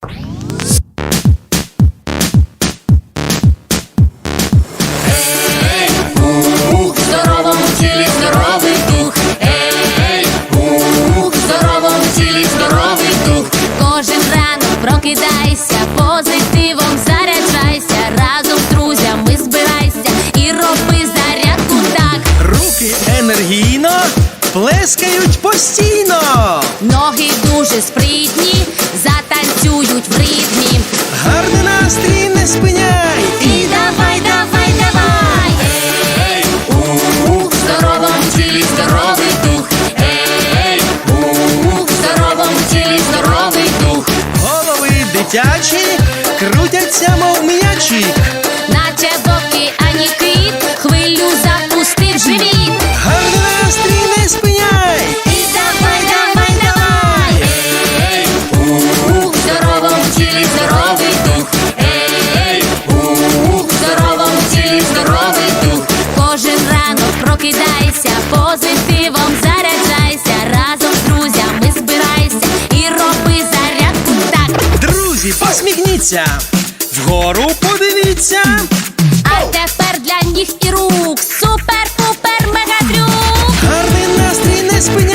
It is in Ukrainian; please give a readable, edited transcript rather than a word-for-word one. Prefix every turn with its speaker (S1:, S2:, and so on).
S1: В здоровому тілі здоровий дух. В здоровому тілі здоровий дух.
S2: Кожен ранок прокидайся, позитивом заряджайся, разом з друзями збирайся і роби зарядку так.
S3: Руки енергійно плескають постійно.
S2: Ноги дуже спритні, затанцюють в ритмі.
S3: Гарний настрій не спиняй.
S2: І давай, давай, давай.
S1: В здоровому тілі здоровий дух. В здоровому тілі здоровий дух.
S3: Голови дитячі крутяться, мов м'ячі.
S2: Наче в океані кит, хвилю запустив живіт.
S3: Гарний настрій не спиняй.
S2: І давай, давай, давай.
S1: В здоровому тілі здоровий дух. В здоровому тілі здоровий дух.
S2: Кожен ранок прокидайся, позитивом заряджайся, разом з друзями збирайся і роби зарядку так.
S3: Друзі, посміхніться, вгору подивіться.
S2: А тепер для ніг і рук супер-пупер мегатрюк.
S3: Гарний настрій не спиняй.